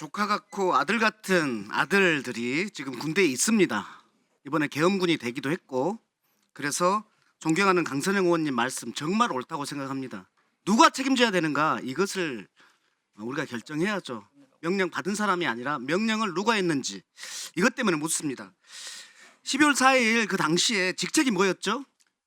조카 같고 아들 같은 아들들이 지금 군대에 있습니다. 이번에 계엄군이 되기도 했고, 그래서 존경하는 강선영 의원님 말씀 정말 옳다고 생각합니다. 누가 책임져야 되는가, 이것을 우리가 결정해야죠. 명령 받은 사람이 아니라 명령을 누가 했는지, 이것 때문에 묻습니다. 12월 4일 그 당시에 직책이 뭐였죠?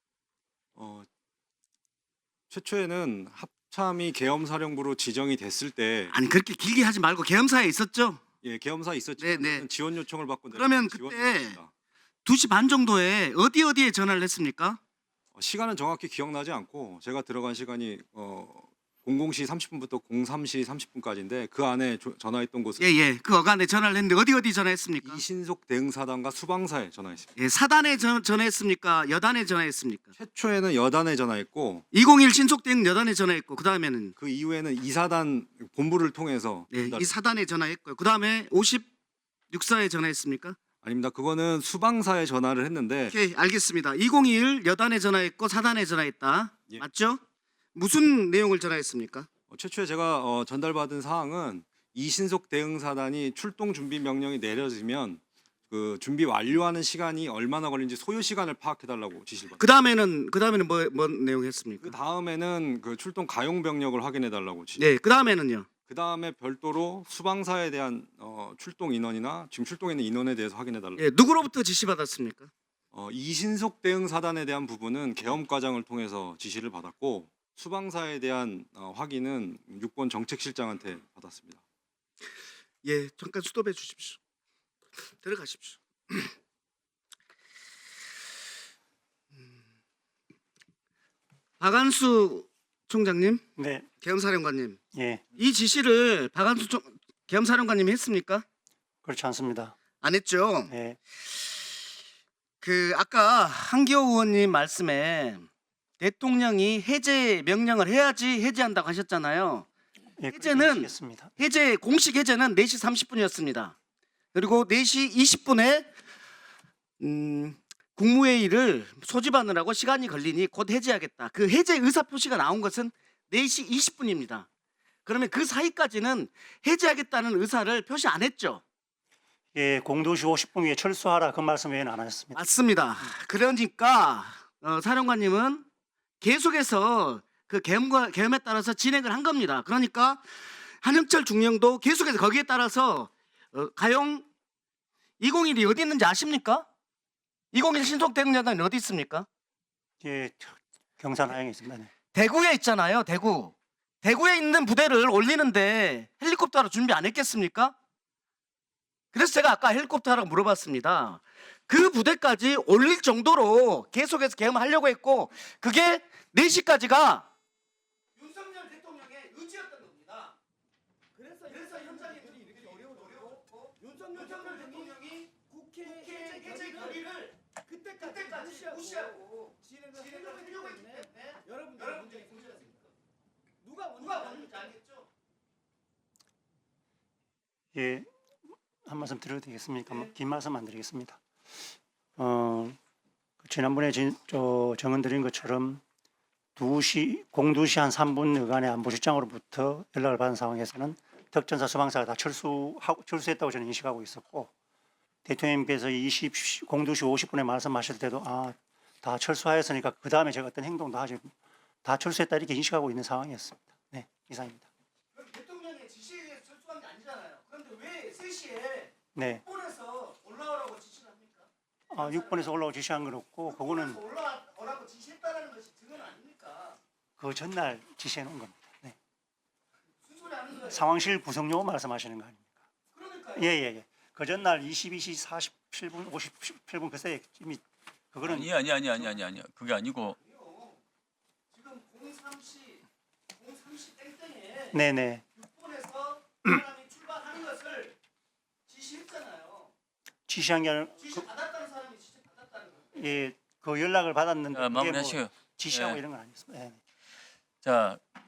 최초에는 합참이 계엄사령부로 지정이 됐을 때 아니, 그렇게 길게 하지 말고 계엄사에 있었죠? 계엄사 있었지만 네, 네. 지원 요청을 받고 그러면 지원 그때 요청입니다. 2시 반 정도에 어디에 전화를 했습니까? 시간은 정확히 기억나지 않고 제가 들어간 시간이 00시 30분부터 03시 30분까지인데 그 안에 전화했던 곳은 예. 그 어간에 전화를 했는데 어디 전화했습니까? 이신속 대응사단과 수방사에 전화했습니다. 예, 사단에 전화했습니까? 여단에 전화했습니까? 최초에는 여단에 전화했고 201 신속대응 여단에 전화했고, 그 다음에는 그 이후에는 이사단 본부를 통해서 이 사단에 전화했고요. 그 다음에 56사에 전화했습니까? 아닙니다. 그거는 수방사에 전화를 했는데 오케이, 알겠습니다. 201 여단에 전화했고 사단에 전화했다. 예. 맞죠? 무슨 내용을 전화했습니까? 최초에 제가 전달받은 사항은 이신속 대응사단이 출동 준비 명령이 내려지면 그 준비 완료하는 시간이 얼마나 걸리는지 소요 시간을 파악해달라고 지시를 그 받았습니다. 다음에는 뭔 내용 했습니까? 그 다음에는 그 출동 가용 병력을 확인해달라고 지시. 네, 그 다음에는요. 그 다음에 별도로 수방사에 대한 출동 인원이나 지금 출동해 있는 인원에 대해서 확인해달라고. 예, 누구로부터 지시 받았습니까? 이신속 대응사단에 대한 부분은 계엄과장을 통해서 지시를 받았고 수방사에 대한 확인은 육본 정책실장한테 받았습니다. 예, 잠깐 스톱해 주십시오. 들어가십시오. 박한수 총장님, 네, 계엄사령관님, 예, 이 지시를 계엄사령관님이 했습니까? 그렇지 않습니다. 안 했죠. 예, 그 아까 한기호 의원님 말씀에 대통령이 해제 명령을 해야지 해제한다고 하셨잖아요. 예, 해제는 습니다. 공식 해제는 4시 30분이었습니다. 그리고 4시 20분에 국무회의를 소집하느라고 시간이 걸리니 곧 해제하겠다. 그 해제 의사 표시가 나온 것은 4시 20분입니다. 그러면 그 사이까지는 해제하겠다는 의사를 표시 안 했죠. 예, 02시 50분 위에 철수하라 그 말씀 외에는 안 하셨습니다. 맞습니다. 그러니까 사령관님은 계속해서 그 계엄에 따라서 진행을 한 겁니다. 그러니까 한영철 중령도 계속해서 거기에 따라서 가용 201이 어디 있는지 아십니까? 201 신속대응여단이 어디 있습니까? 예, 경산 하양에 있습니다. 네. 대구에 있잖아요. 대구에 있는 부대를 올리는데 헬리콥터로 준비 안 했겠습니까? 그래서 제가 아까 헬리콥터라고 물어봤습니다. 그 부대까지 올릴 정도로 계속해서 계엄하려고 했고, 그게 4시까지가 윤석열 대통령의 의지였던 겁니다. 그래서 현장에 이렇게 어려웠고, 윤석열 대통령이 국회 해제 결의를 그때까지 무시하고 진행을 하려고 했기 때문에 여러분들 문제가 생겼습니다. 누가 원인지 알겠죠? 예, 한 말씀 드려도 되겠습니까? 네. 긴 말씀 안 드리겠습니다. 지난번에 정언 드린 것처럼 02시 한 02분 여간에 안보실장으로부터 연락을 받은 상황에서는 특전사 수방사가 다 철수했다고 저는 인식하고 있었고, 대통령님께서 02시 50분에 말씀하실 때도 다 철수하였으니까 그 다음에 제가 어떤 행동도 하지, 다 철수했다 이렇게 인식하고 있는 상황이었습니다. 네, 이상입니다. 그럼 대통령의 지시에 의해서 철수한 게 아니잖아요. 그런데 왜 3시에 네, 6번에서 올라오라고 지시를 합니까? 6번에서 올라오고 지시한 건 없고, 그거는 올라오라고 지시했다는 것이 증언 아닙니까? 그 전날 지시해 놓은 겁니다. 네. 순소리 하는 거예요. 상황실 구성요 말씀하시는 거 아닙니까? 그러니까요. 예. 그 전날 22시 47분, 57분 그새 이미 그거는 아니 그게 아니고 지금 03시 땡땡에 네네 6번에서 사람이 출발하는 것을 지시했잖아요. 지시한 게 아니라 지시 받았다는 사람이 지시 받았다는 거예요. 그 연락을 받았는데 자, 그게 뭐 마무리하시고요. 지시하고 예. 이런 건 아니었습니다. 네. 자